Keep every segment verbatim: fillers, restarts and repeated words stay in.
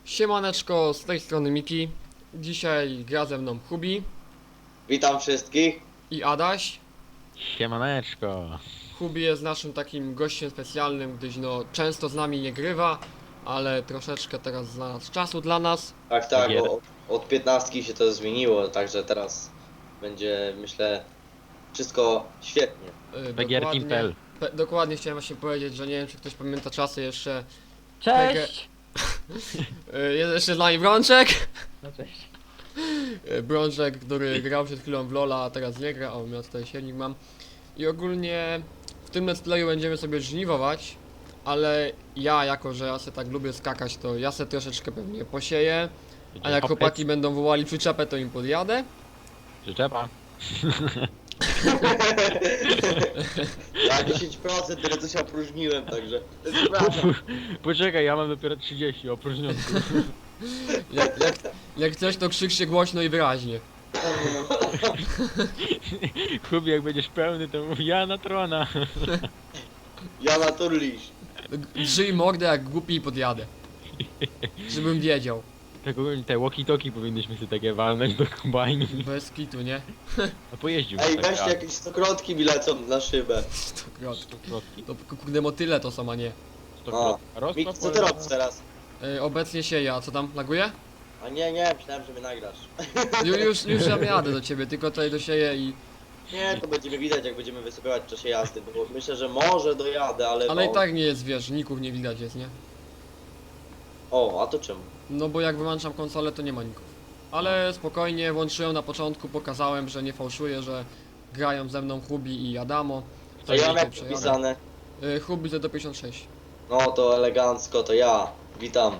Siemaneczko, z tej strony Miki. Dzisiaj gra ze mną Hubi Witam wszystkich. i Adaś. Siemaneczko. Hubi jest naszym takim gościem specjalnym, gdyż no często z nami nie grywa, ale troszeczkę teraz znalazł czasu dla nas. Tak, tak, Gier. bo od piętnastki się to zmieniło, także teraz będzie, myślę, wszystko świetnie. Yy, Begierteam kropka p l. pe- dokładnie chciałem właśnie powiedzieć, że nie wiem czy ktoś pamięta czasy jeszcze. Cześć! Yy, jest jeszcze z nami Brączek. No cześć. Yy, Brączek, który grał przed chwilą w Lola, a teraz nie gra. O, ja tutaj silnik mam. I ogólnie w tym let's playu będziemy sobie żniwować, ale ja, jako że ja se tak lubię skakać, to ja se troszeczkę pewnie posieję, a jak chłopaki będą wołali przyczepę, to im podjadę. Przyczepa. Ja dziesięć procent tyle co się opróżniłem, także to jest prawda. Poczekaj, ja mam dopiero trzydzieści opróżnionych. Jak, jak, jak coś, to krzyczcie głośno i wyraźnie. Kubi, jak będziesz pełny, to mów ja na trona. Ja na turlisz. Drzyj mordę jak głupi i podjadę. Żebym wiedział. Tak ogólnie te walkie-talkie powinnyśmy sobie takie walnąć do kombajnu. Bez kitu, nie? A pojeździł. Ej, tak weźcie raz. jakieś stokrotki mi lecą na szybę. Stokrotki. Stokrotki. To kurde motyle to są, a nie. Stokrotki. O, Rozpraw Miki, co ty polega- robisz teraz? Yy, obecnie sieję, a co tam? Laguje? A nie, nie, myślałem, że mnie nagrasz. Ju, już, już ja jadę do ciebie, tylko tutaj dosieję i... Nie, to będziemy widać, jak będziemy wysypywać w czasie jazdy, bo myślę, że może dojadę, ale... Ale i no- tak nie jest, wiesz, ników nie widać jest, nie? O, a to czemu? No bo jak wyłączam konsolę, to nie ma ników. Ale spokojnie, włączyłem na początku, pokazałem, że nie fałszuję, że grają ze mną Hubi i Adamo. A ja mam dzisiaj jak przejadę. napisane. Y, Hubi to do pięćdziesiąt sześć. No to elegancko, to ja. Witam.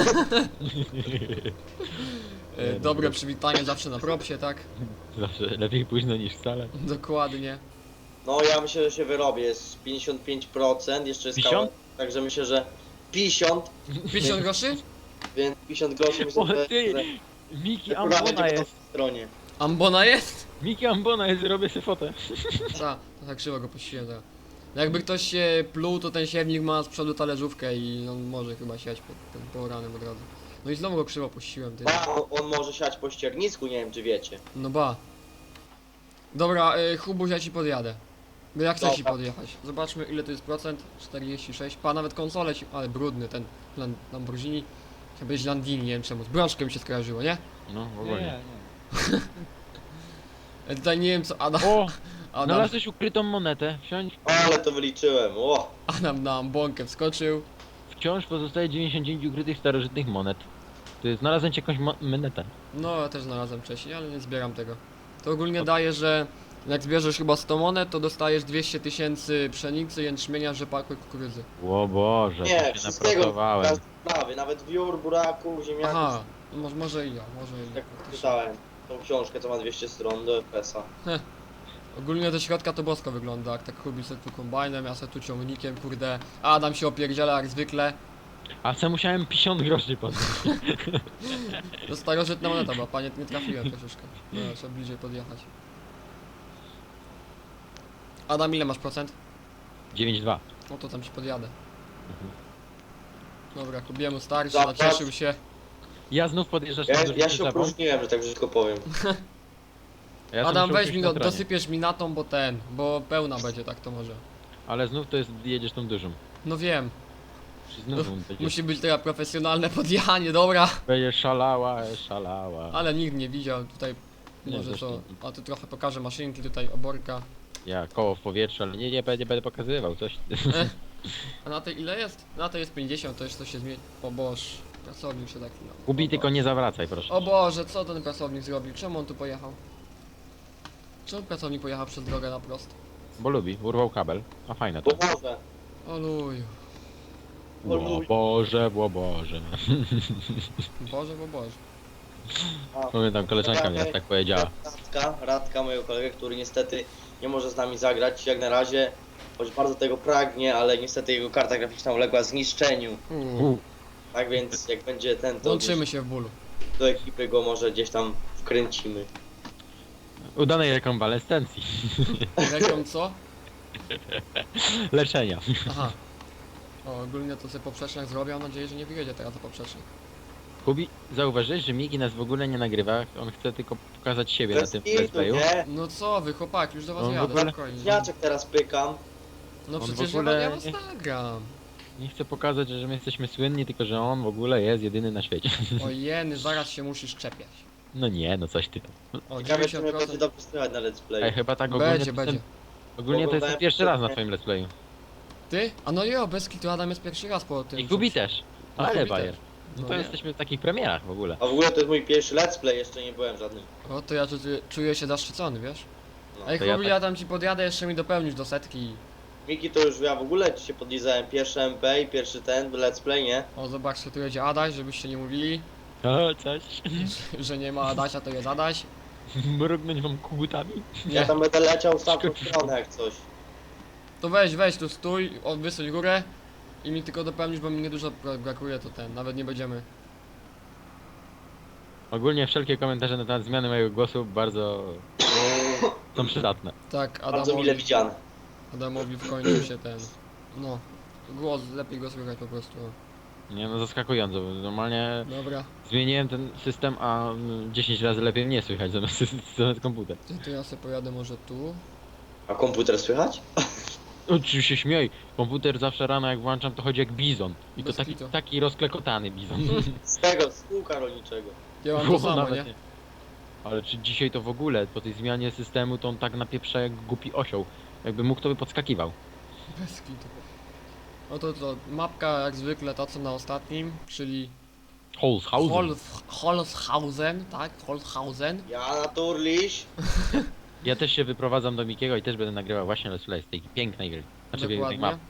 Y, Dobre przywitanie zawsze na propsie, tak? Zawsze lepiej późno niż wcale. Dokładnie. No ja myślę, że się wyrobię, jest pięćdziesiąt pięć procent, jeszcze jest pięćdziesiąt? kawałek, także myślę, że pięćdziesiąt, pięćdziesiąt groszy? więc pięćdziesiąt groszy myślę, O że, ty! że Miki akurat Ambona będzie po jest! tej stronie. Ambona jest? Miki Ambona jest, robię sobie fotę. Ta, to tak krzywo go puściłem teraz. Jakby ktoś się pluł, to ten siewnik ma z przodu talerzówkę i on może chyba siać pod tym poranem od razu. No i znowu go krzywo puściłem, ty. A, on, on może siać po ściernisku, nie wiem czy wiecie. No ba. Dobra, y, Hubuś, ja ci podjadę. Bo ja chcę ci Dobra. podjechać. Zobaczmy ile to jest procent. czterdzieści sześć. Pa, nawet konsolę ci... Ale brudny ten Lam- Lamborghini. Chciał być Landini, nie wiem czemu. Z brączkiem mi się skojarzyło, nie? No, w ogóle. Ja tutaj nie wiem co Adam... O! Adam, Znalazłeś ukrytą monetę. Wsiądź. Ale to wyliczyłem, o! Adam na ambonkę wskoczył. Wciąż pozostaje dziewięćdziesiąt dziewięć ukrytych starożytnych monet. Ty znalazłem ci jakąś mo- monetę. No, ja też znalazłem wcześniej, ale nie zbieram tego. To ogólnie daje, że jak zbierzesz chyba sto monet, to dostajesz dwieście tysięcy pszenicy, jęczmienia, rzepaku i kukurydzy. O Boże, Nie, to się wszystkiego, napracowałem. każdy prawy, nawet wiór, buraków, ziemniaków, Aha, może, może i ja, może i ja. jak faktycznie. czytałem. Tą książkę, co ma dwieście stron do F S a. Ogólnie do środka to bosko wygląda, jak tak Hubi se tu kombajnem, ja se tu ciągnikiem, kurde. Adam się opierdziela jak zwykle. A co musiałem pięćdziesiąt groszy podnieść. To starożytna moneta była, panie, nie trafiłem troszeczkę. No, trzeba bliżej podjechać. Adam, ile masz procent? dziewięć dwa. No to tam ci podjadę. Dobra, Kubiemu starszy, Zapłać. nacieszył się. Ja znów podjeżdżasz Ja, na ja dużą się przyczepą. opróżniłem, że tak brzydko powiem. A ja sam Adam, muszę weź usiąść mi, na no, tronie. dosypiesz mi na tą, bo ten, bo pełna będzie, tak to może. Ale znów to jest, jedziesz tą dużą. No wiem, Czy znów będziesz, musi być teraz profesjonalne podjechanie, dobra. będziesz szalała, szalała. Ale nikt nie widział tutaj, Nie, może też to, nie. a tu trochę pokażę maszynki, tutaj oborka. Ja koło w powietrzu, ale nie, nie, będę, będę pokazywał coś. E? A na tej ile jest? Na tej jest pięćdziesiąt, to jeszcze się zmieni. O Boże, pracownik się tak no. Gubi, O tylko Boże. nie zawracaj, proszę. O Boże, co ten pracownik zrobił? Czemu on tu pojechał? Czemu pracownik pojechał przez drogę na prosto? Bo lubi, urwał kabel. A fajne to. Bo może. O luju. O Boże, o Boże. Boże, bo Boże. A, Pamiętam, koleżanka mnie tak powiedziała. Radka, Radka, mojego kolegę, który niestety nie może z nami zagrać jak na razie, choć bardzo tego pragnie, ale niestety jego karta graficzna uległa zniszczeniu. Uuu. U, Tak więc jak będzie ten, to Łączymy gdzieś się w bólu. do ekipy go może gdzieś tam wkręcimy. udanej rekonwalescencji. Reką co? Leczenia. Aha. O, ogólnie to sobie poprzeczniak zrobię, mam nadzieję, że nie wyjedzie teraz za poprzecznik. Kubi, zauważyłeś, że Miki nas w ogóle nie nagrywa, on chce tylko pokazać siebie na Bez tym kitu, let's playu. nie? No co wy, chłopaki, już do was On w jadę, ogóle- spokojnie. Śniaczek teraz pykam. No on w przecież ogóle ja, was- ja nie- was nagram. Nie chce pokazać, że my jesteśmy słynni, tylko że on w ogóle jest jedyny na świecie. O jeny, zaraz się musisz czepiać. No nie, no coś ty tam. O, Ciekawe, czy mnie będzie dziewięćdziesiąt procent. dobrze słychać na let's play. Ej, chyba tak ogólnie Będzie, to będzie. Ten, ogólnie to jest ten pierwszy raz na twoim let's playu. Ty? A no jo, bez kitu Adam jest pierwszy raz po tym. I Kubi też. No, Ale Kubi bajer. też. No No to nie. jesteśmy w takich premierach w ogóle. A w ogóle to jest mój pierwszy let's play, jeszcze nie byłem żadnym. O, to ja tu czuję, czuję się zaszczycony, wiesz? No. Ej, to ja Kubi, tak- ja tam ci podjadę, jeszcze mi dopełnisz do setki. Miki to już ja w ogóle ci się podlizałem. Pierwszy M P i pierwszy ten let's play, nie? O, zobaczcie, tu jedzie Adaś, żebyście nie mówili, O, coś. że nie ma Adasia, to jest Adaś. Mrugnąć wam kubutami? Ja Nie, tam będę leciał w tamtą Skoczysz. stronę jak coś. to weź, weź tu stój, o, wysuń górę i mi tylko dopełnisz, bo mi niedużo bra- brakuje, to ten, nawet nie będziemy. Ogólnie wszelkie komentarze na temat zmiany mojego głosu bardzo są przydatne. Tak, Bardzo mile Adamowi, widziane. Adamowi w końcu się ten, no, głos, lepiej go słychać po prostu. Nie no, zaskakująco, bo normalnie Dobra, zmieniłem ten system, a mm, dziesięć razy lepiej mnie słychać zamiast, zamiast komputer. to, to ja sobie pojadę może tu. A komputer słychać? Oczywiście się śmiej, komputer zawsze rano jak włączam to chodzi jak bizon. I to Bez taki, kitu. taki rozklekotany bizon. Z tego, z kółka rolniczego. Ja mam to samo, Nawet nie? Ale czy dzisiaj to w ogóle, po tej zmianie systemu to on tak napieprza jak głupi osioł. Jakby mógł to by podskakiwał. Bez kitu. No to co, mapka jak zwykle ta co na ostatnim, czyli Holzhausen. Holz- Holzhausen, tak? Holzhausen. Ja na turliś. Ja też się wyprowadzam do Mikiego i też będę nagrywał właśnie Let's Play z tej pięknej gry. Znaczy tej Dokładnie. map.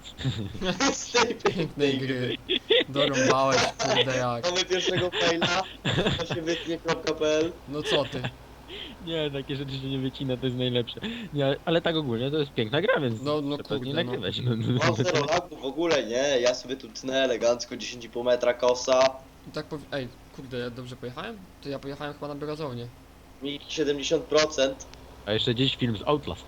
Z tej Pięknej gry. Dorąbałeś, kurde jak. Mamy pierwszego maila. To się wytnie kropka pe el. No co ty? Nie, takie rzeczy się nie wycina, to jest najlepsze. Nie, ale tak ogólnie to jest piękna gra, więc No, no trzeba nie kurde, no. nagrywać. No. Mam zero lagów w ogóle, nie? Ja sobie tu tnę elegancko dziesięć i pół metra kosa. I tak powi- Ej, kurde, ja dobrze pojechałem? To ja pojechałem chyba na biurozownię. Miki siedemdziesiąt procent. A jeszcze dziś film z Outlast.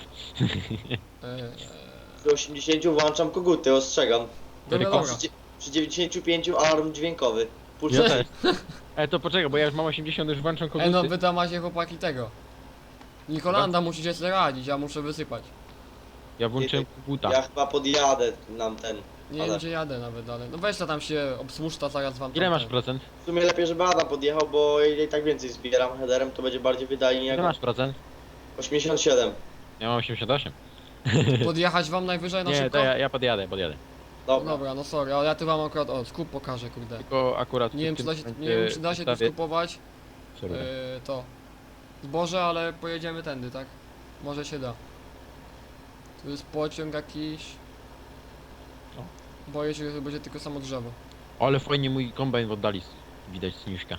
Eee, Przy osiemdziesięciu włączam koguty, ostrzegam. dobra, A dobra. Przy, dzie- przy dziewięćdziesięciu pięciu alarm dźwiękowy. Puszczę Ja też. E, to poczekaj, bo ja już mam osiemdziesiąt, już włączam koguty. Ej, no wy tam macie chłopaki tego. Nikolanda musicie sobie radzić, ja muszę wysypać. Ja włączyłem koguta. Ja chyba podjadę nam ten. Nie Ale- wiem gdzie jadę nawet, ale no weź to tam się obsłużta, zaraz wam Ile tam masz ten- procent? W sumie lepiej, żeby Adam podjechał, bo ja i tak więcej zbieram headerem, to będzie bardziej wydajnie Ile jak masz procent? osiemdziesiąt siedem. Ja mam osiemdziesiąt osiem. Podjechać wam najwyżej na Nie, szybko? to ja, ja podjadę, podjadę. Dobra. Dobra, no sorry, ale ja tu wam akurat, o, skup pokażę, kurde. Tylko akurat Nie w wiem, czy tym da się, nie momencie wiem, czy da się tu ustawię- skupować Sorry. yy, to zboże, ale pojedziemy tędy, tak? Może się da. Tu jest pociąg jakiś. O. Boję się, że to będzie tylko samo drzewo. Ale fajnie mój kombajn w oddali s- widać sniuszka.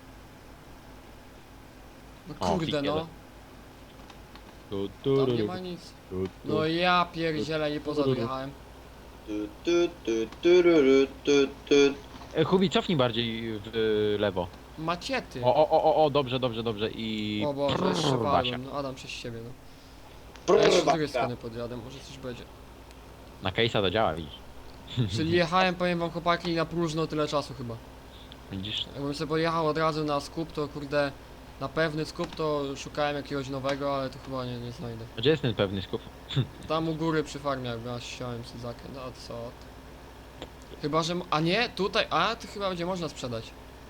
No O, kurde, piknie no. Tu, Tam nie tu, ma nic. tu, tu. No ja pierdzielę, nie poza jechałem. Tu, tu, tu, tururu, tu, tu. E, Hubi, cofnij bardziej w e, lewo. Maciety. O, o, o, o, o, dobrze, dobrze, dobrze i... O Boże, Prrr, jeszcze Basia. walłem. No Adam przez siebie, no. Ja jeszcze z drugiej Prrr, strony podjadę, może coś będzie. Na case'a to działa, widzisz. Czyli jechałem, powiem wam chłopaki, na próżno tyle czasu chyba. Widzisz? Jakbym sobie pojechał od razu na skup, to kurde, na pewny skup to szukałem jakiegoś nowego, ale to chyba nie, nie znajdę. A gdzie jest ten pewny skup? Tam u góry przy farmie, jak ja siałem Syzakę, no co ty. Chyba, że... m- A nie, tutaj, a to chyba będzie można sprzedać.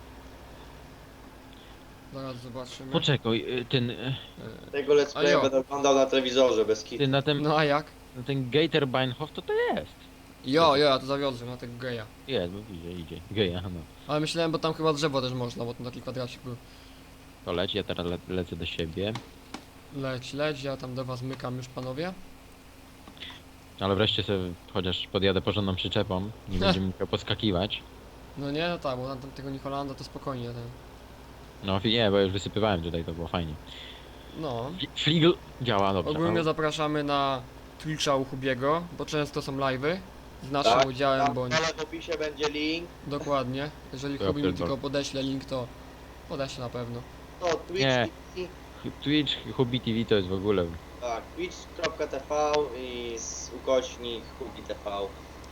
Zaraz zobaczymy. Poczekaj, e, ten... e, Tego let's A playa jo. będę oglądał na telewizorze bez kitu. Ty na tym... No a jak? Na ten Gaterbeinhof to to jest. Jo, jo, ja to zawiozłem na tego geja. Jest, bo idzie, idzie. Geja, no. Ale myślałem, bo tam chyba drzewo też można, bo tam taki kwadracik był. To leć, ja teraz le lecę do siebie. Leć, leć, ja tam do was mykam już panowie. Ale wreszcie sobie chociaż podjadę porządną przyczepą. Nie będzie musiał podskakiwać. No nie, no tak, bo tam tego Nikolanda to spokojnie ten. No nie, bo już wysypywałem tutaj, to było fajnie. No. Fli- Fligl działa dobrze. Ogólnie no. zapraszamy na Twitcha u Hubiego, bo często są live'y. Z naszym Tak, udziałem, Tam bo dole w opisie będzie link. dokładnie. Jeżeli To ja Hubi mi pierdolę. tylko podeśle link, to podeśle na pewno. To Twitch, Nie. T V, Twitch, Hubi T V to jest w ogóle... tak, twitch kropka t v i z ukośnik Hubi T V.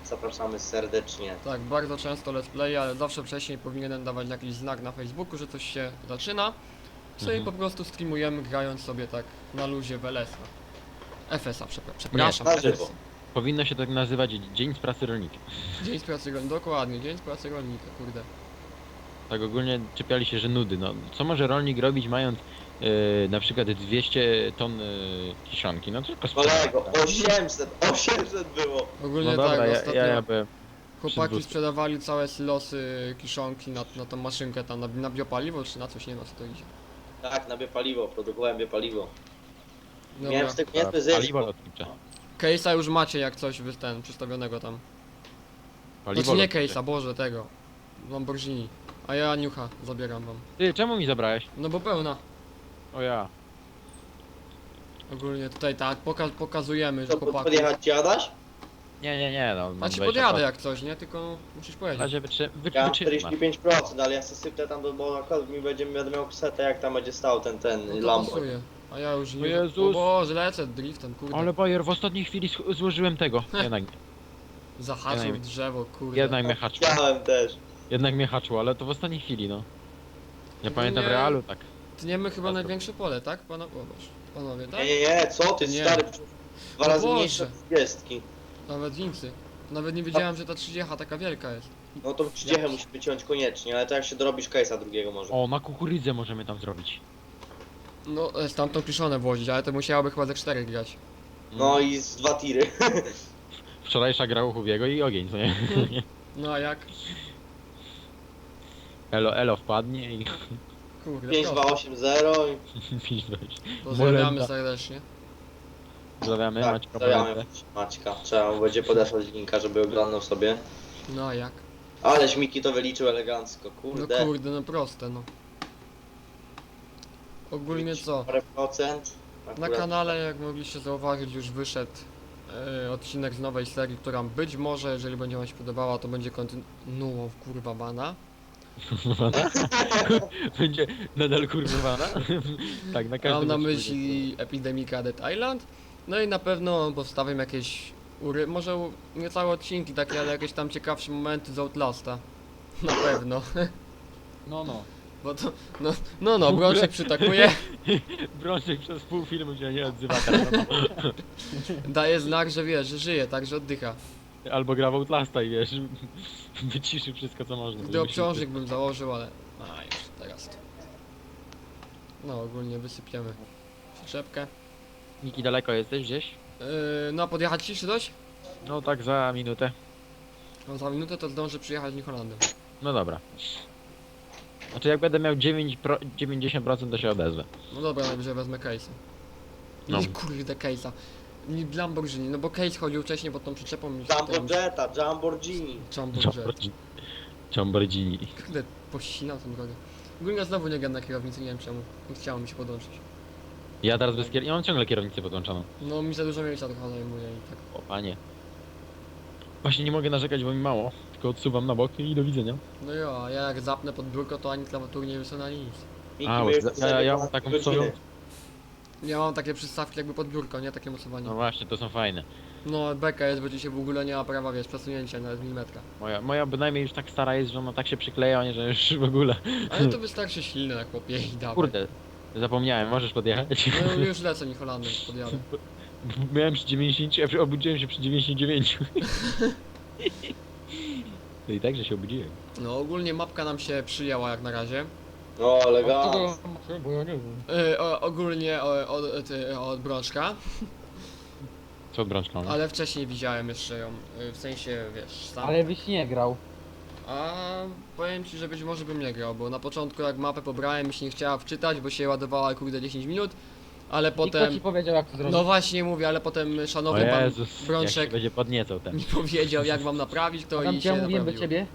zapraszamy serdecznie. Tak, bardzo często let's play, ale zawsze wcześniej powinienem dawać jakiś znak na Facebooku, że coś się zaczyna. Sobie Mhm. po prostu streamujemy, grając sobie tak na luzie w L S a. F S a, przepra- przepraszam. na F S a. żywo. Powinno się tak nazywać Dzień z pracy rolnika. Dzień z pracy rolnika, dokładnie, dzień z pracy rolnika, kurde. Tak ogólnie czepiali się, że nudy. No, co może rolnik robić mając yy, na przykład dwieście ton yy, kiszonki? No tylko sprzedać, Kolego, tak? osiemset, osiemset było. Ogólnie No dobra, tak, ja, ostatnio ja, ja byłem chłopaki dwóch. sprzedawali całe silosy, kiszonki na, na tą maszynkę tam, na, na biopaliwo, czy na coś, nie wiem na co to idzie. Tak, na biopaliwo, produkowałem biopaliwo. Miałem Dobra, z tego niezły zysk. Paliwo lotnicze. case'a już macie jak coś wy ten, przystawionego tam. Paliwo Znaczy nie lotnicze. case'a, Boże, tego. Lamborghini. A ja niucha zabieram wam. Ty, czemu mi zabrałeś? No bo pełna. O ja. Ogólnie tutaj tak, poka pokazujemy, że To pod- chłopaków... podjechać ci Adaś? Nie, nie, nie, no. A ci podjadę jak coś, nie? Tylko musisz W powiedzieć. razie wytrzy... wy... Ja mam wytrzymasz. czterdzieści pięć procent, ale ja sobie sypnę tam do, bo akurat mi będzie, będę miał setę, jak tam będzie stał ten, ten No to Lambo. pasuje. A ja już O nie... Jezus. O Boże, lecę driftem, kurde. Ale Bayer, w ostatniej chwili sch- złożyłem tego. Jednak, Zahaczył jednak- drzewo, kurde. jednak mnie haczło. Chciałem też. Jednak mnie haczło, ale to w ostatniej chwili, no. Ja No pamiętam nie. w realu, tak. Tniemy chyba A to- największe pole, tak? Pana... O Boże. Panowie, tak? Nie, nie, nie, co ty, Nie. stary, dwa No razy Boże. mniejsze od trzydziestki. Nawet więcej. Nawet nie wiedziałem, że ta trzydzieści taka wielka jest. No to trzydziestkę musimy wyciąć koniecznie, ale to jak się dorobisz case'a drugiego może. O, na kukurydzę możemy tam zrobić. No, e, stamtąd piszone włożyć, ale to musiałoby chyba ze cztery grać. No i z dwa tiry. Wczorajsza gra u Hubiego i ogień, co nie? No a jak? Elo, elo wpadnie i Kurde, pięć dwa prosto. osiem zero i pięć dwadzieścia. Pozdrawiamy Molenda. serdecznie. Pozdrawiamy, tak, Maćka stawiamy Polecę. Maćka. Trzeba mu będzie podesłać linka, żeby oglądał sobie. No a jak? Aleś Miki to wyliczył elegancko, No kurde. kurde, no proste, no. Ogólnie co? Parę procent. Na Akurat- kanale, jak mogliście zauważyć, już wyszedł e, odcinek z nowej serii, która być może, jeżeli będzie wam się podobała, to będzie kontynuą kurwa bana. Będzie nadal kurwowana? Tak, na każdym Mam na odcinku myśli Epidemika Dead Island. No i na pewno postawiam jakieś ury, może u- nie całe odcinki takie, ale jakieś tam ciekawsze momenty z Outlasta. Na pewno. No, no. Bo to, no, no, no, W ogóle- Brączek przytakuje, Brączek przez pół filmu się nie odzywa teraz. No. daje znak, że wiesz, że żyje, tak, że oddycha. Albo gra w Outlasta i wiesz, wyciszy wszystko co można. Gdy żeby obciążnik bym założył, ale... A, już, teraz to. No, ogólnie wysypiemy przyczepkę. się- Niki, daleko jesteś gdzieś? Yy, no, podjechać ci czy coś? No tak za minutę. No, za minutę to zdążę przyjechać New Hollandem. No dobra. Znaczy jak będę miał dziewięć pro... dziewięćdziesiąt procent to się odezwę. No dobra, najwyżej wezmę case'a. No. Nie, kurde, case'a. Nie Lamborghini, no bo case chodził wcześniej pod tą przyczepą i... Jumbo Jetta, Jamborghini. Jumbo Jet. Lamborghini. Lamborghini. Kurde, pościnał tą drogę. Ogólnie znowu nie gadam na kierownicy, nie wiem czemu. Nie chciało mi się podłączyć. Ja teraz bez kier... Ja mam ciągle kierownicę podłączoną. No, mi za dużo miejsca trochę zajmuje i tak. O panie. Właśnie nie mogę narzekać, bo mi mało. Tylko odsuwam na bok i do widzenia. No jo, a ja jak zapnę pod biurko, to ani klawiatury nie wysunę ani nic. Miki, A, my bo już ja- ja- ja mam sobie taką godziny. swoją- Ja mam takie przystawki jakby pod biurko, nie? Takie mocowanie. No właśnie, to są fajne. No, beka jest, bo ci się w ogóle nie ma prawa, wiesz, przesunięcia nawet milimetra. Moja, moja bynajmniej już tak stara jest, że ona tak się przykleja, nie, że już w ogóle. Ale to wystarczy silne na chłopie i dawaj. Kurde, zapomniałem, możesz podjechać? No już lecę New Hollandem, podjadę. Miałem przy dziewięćdziesięciu, a przy- obudziłem się przy dziewięćdziesięciu dziewięciu. No i tak, że się obudziłem. No ogólnie mapka nam się przyjęła jak na razie. No, elegancko. Bo ja nie wiem. Yy, o, ogólnie o, od, ty, od Brączka, Co od brączką? ale wcześniej widziałem jeszcze ją, yy, w sensie, wiesz, sam. Ale byś nie grał. A powiem ci, że być może bym nie grał, bo na początku jak mapę pobrałem mi się nie chciała wczytać, bo się ładowała kurde dziesięć minut, ale Kto ci potem... powiedział jak to zrobić? No właśnie mówię, ale potem O szanowny pan Jezus, jak się Brączek będzie podniecał ten. mi powiedział jak mam naprawić to Tam i cię się mówiłem do naprawiło. ciebie.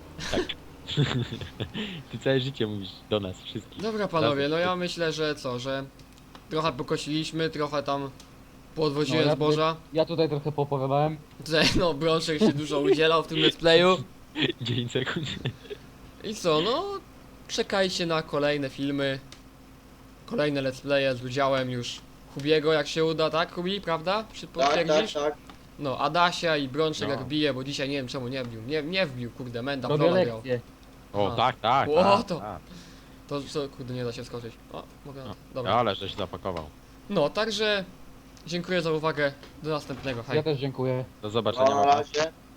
Ty całe życie mówisz do nas wszystkich. Dobra panowie, no ja myślę, że co, że trochę pokosiliśmy, trochę tam podwoziłem No, ja zboża. Ja tutaj trochę poopowiadałem. Tutaj no Brączek się dużo udzielał w tym let's playu. dziesięć sekund. I co, no czekajcie na kolejne filmy, kolejne let's playe z udziałem już Hubiego jak się uda, tak Hubi, prawda? Czy Tak, tak, potwierdzisz? tak. No, Adasia i Brączek No. jak bije, bo dzisiaj nie wiem czemu nie wbił. Nie, nie wbił, kurde, Menda w Robię LoL'a grał. lekcję. O, A. tak, tak, O, tak, to- tak. To co, kurde, nie da się skoczyć. O, mogę. No. Dobra. Ale żeś zapakował. No, także dziękuję za uwagę. Do następnego. Hej. Ja też dziękuję. Do zobaczenia. No, na Mama. razie.